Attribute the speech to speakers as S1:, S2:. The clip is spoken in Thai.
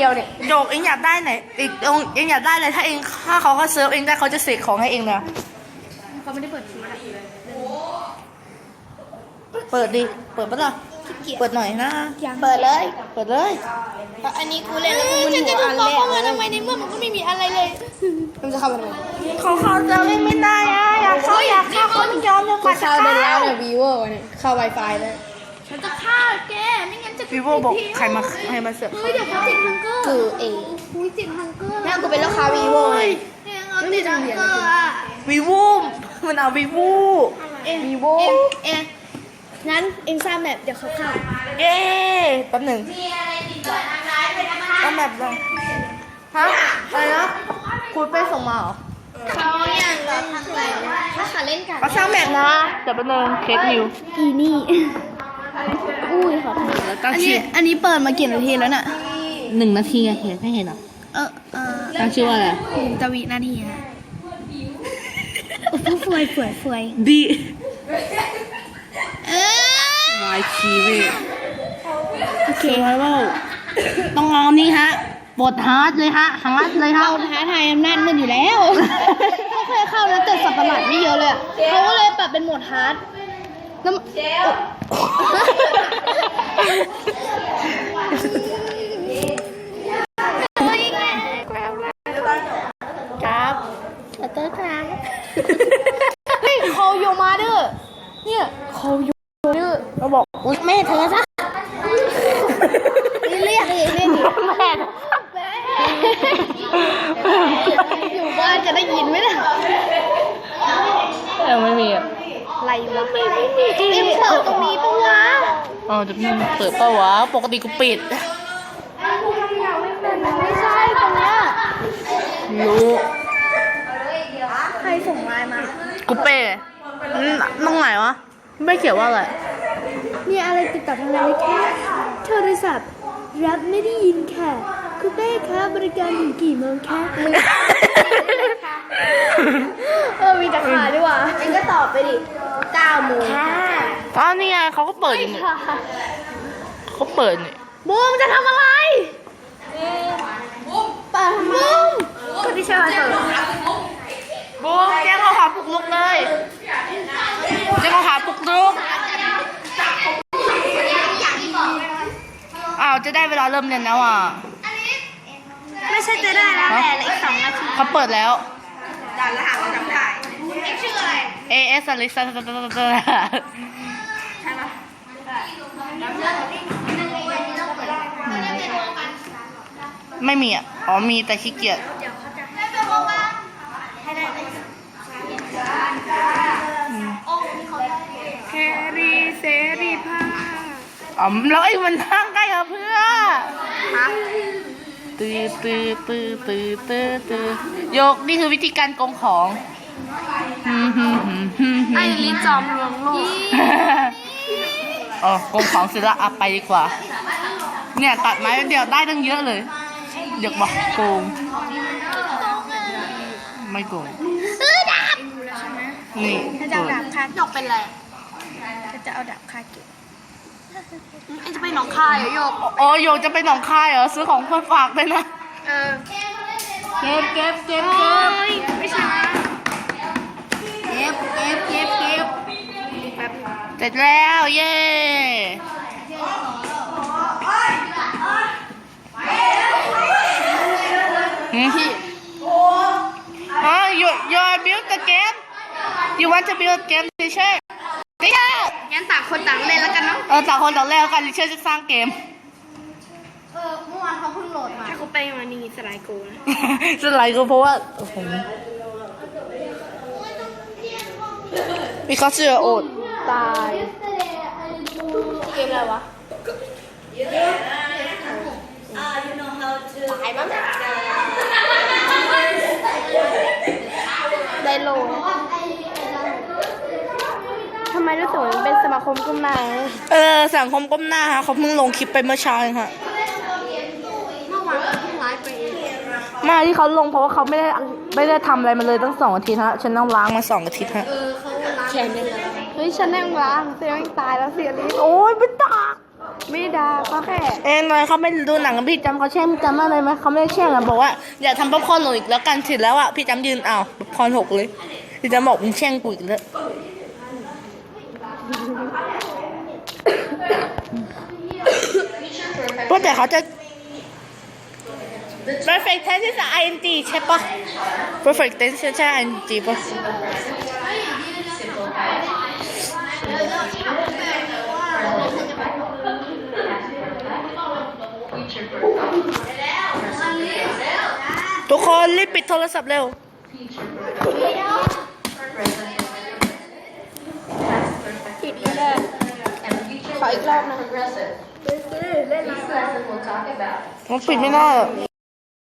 S1: ดียวเนี่ย
S2: โยกเองอยากได้ไหนอีกเองอยากได้เลยถ้าเองถ้าเขาเซิร์ฟเองได้เขาจะเสกของให้เองเลย
S1: เขาไม่ได้เปิดทีนะ
S2: เปิดดิเปิดปะล่ะเปิดหน่อยนะ
S1: เปิดเลย
S2: เปิดเลย
S1: อันนี้กูเล่นแล้วกูมึนหัวอันแรกเข้ามาทำไมในเมื่อมันก็ไม่มีอะไรเลยมันจะเข้ามาทำไม
S2: ของเขาจะเล่นไม่ได้อะอยากเข้าเขาไม่ยอมเลย
S1: กูเข้าได้แล้วเนี่ยวีโว่เนี่ยเข้า Wi-Fi เลยฉันจะฆ่าแกไม่งั้นจะ
S2: วีโวบอกใครมาเสิร์ฟ
S1: เฮ้ยเดี๋ยวเขาติดฮังเกอร์คือเองอุ้ยติดฮังเกอร์แล้วกูเป็นลูกค้าวีโว่เลยไม่ติดฮังเกอร์อ่ะ
S2: วีโวมันเอาวีโว
S1: วีโว่งั้นเองสร้างแบบเดี๋ยวเขาเข้า
S2: เย้แป๊บหนึ่งก็แบบลองฮะอะไรนะคุณไปส่งมาเหรอ
S1: เขาอย่างเล่นอะไรถ้าขาเล่นกัน
S2: เขาสร้างแบบนะเดี๋ยวแป๊บนึงเค้กนิว
S1: อีนี่อุ้ยขอโทษอันนี้เปิดมากี่นาทีแล้วน่ะ
S2: 1 นาทีอะเห็นไม่เห็นหรอตั้งชื่อว่าอะไร
S1: 1 นาทีฮะฟวย
S2: ดีวายชีวิตโอเคว่าต้องลองนี่ฮะบทฮาร์ดเลยฮะฮาร์ดเลยฮะ
S1: ท้าทายอำนาจมืดอยู่แล้วเขาเคยเข้าแล้วแต่สับประหลาดไม่เยอะเลยเขาก็เลยปรับเป็นโหมดฮาร์ดแล้วครับขอโทษครับเฮ้ยโคโยมาเด้อเนี่ยโคโยเด้อ
S2: เราบอก
S1: แม่เธอซะเรียกแม่อยู่บ้านจะได้ยินไหมล่ะ
S2: ไม่มีอะ
S1: อะไรวะเต็มเปิดตรงนี้ปะวะ
S2: จะเปิดปะวะปกติกูปิด
S1: ไม่ใช่ตรงเนี้ย
S2: รู้
S1: ใครส่งไลน์มา
S2: กูเป้ตรงไหนวะไม่เขียนว่าอะไร
S1: มีอะไรติดต่อทางไหนแค่โทรศัพท์รับไม่ได้ยินค่ะคุณเป้คะบริการถึงกี่โมงคะมีแต่ขาด้วยว่ะเองก็ตอบไปดิ9 โมง
S2: ค่ะนี่ไงเขาก็เปิดอยู่นี่เขาเปิดนี่
S1: บูมจะทำอะไรบูมเปิดทำไมบูมก็ที่เชิญเปิด
S2: บูมแจ้งข้อหาปลุกลุกเลยแจ้งข้อหาปลุกลุกจะได้เวลาเริ่มเรียนแล้วอ่ะ
S1: ไม่ใช่จะได้แล้วแหละอีก2 นาที
S2: เขาเปิดแล้ว
S1: ด่านรหัสประจำถ่ายชื่ออะไร
S2: AS อลิซาใช่ไหมไม่มีอ่ะมีแต่ขี้เกียจ
S1: แครีเสรีภาพ
S2: แล้วไอ้มันนั่งใกล้กับเพื่อตื้อโยกนี่คือวิธีการโกงของ
S1: ไอ้ลิ้นจอมลวงโลก
S2: โกงของเสร็จแล้วไปดีกว่าเนี่ยตัดไม้เดียวได้ตั้งเยอะเลยอยากบอกโกงไม่โกงนี่
S1: ถ้าจะเอาดาบคาหยกเป็นไรถ้าจะเอาดาบคาเก็บจะไปหนองคายเหรอโยก
S2: โยกจะไปหนองคายเหรอซื้อของเพื่อฝากเลยนะเก็บ
S1: ไม่ใช่เก็บ
S2: เสร็จแล้วเย้you build the game you want to build game teacher
S1: งั้นต่างคนต่างเล่นแล้วกันเนาะ
S2: ต่างคนต่างเล่นแล้วกันเชื่อจะสร้างเกม
S1: เมื่อวานเขาเพิ่งโหลดมาถ้าเขาไปมานี่สไลด์โกนะ
S2: สไลด์โกเพราะว่ามีเขาเชื่อโอด
S1: ตายเกมอะไรวะตายมั้งได้โลทำไมรู้สึกเหมือนเป็นสมาคมก้มหน้า
S2: สังคมก้มหน้าฮะเขาเพิ่งลงคลิปไปเมื่อเช้าเองค่ะ
S1: เมื่อวานเขาเพิ่งไลฟ์ไป
S2: ไม่ที่เขาลงเพราะว่าเขาไม่ได้ทำอะไรมาเลยตั้ง2 อาทิตย์ฮะฉันต้องล้างมา2 อาทิตย์ฮะ
S1: เขาล้างแขนเลยเฮ้ยฉันนั่งล้างเสียงตายแล้วเสียลิ้น
S2: โอ้ยเป็นตาก
S1: ไม่ได้ด่าเขาแค่
S2: หน่อยเขาไม่ดูหนังกับพี่จำเขาแช่งพี่จำอะไรไหมเขาไม่ได้แช่งอ่ะบอกว่าอย่าทำป๊อปคอร์นหนูอีกแล้วกันเสร็จแล้วอ่ะพี่จำยืนอ้าวป๊อปคอร์นหกเลยพี่จำบอกมึงแช่งกูอีกแล้วเพราะแต่เขาจะ perfect tense ใช่ ing ใช่ปะ perfect tense ใช่ ing ปะทุกคนรีบปิดโทรศัพท์เร็ว
S1: ผิดเลย ขออีกรอบนะ
S2: มันปิดไม่ได้อะ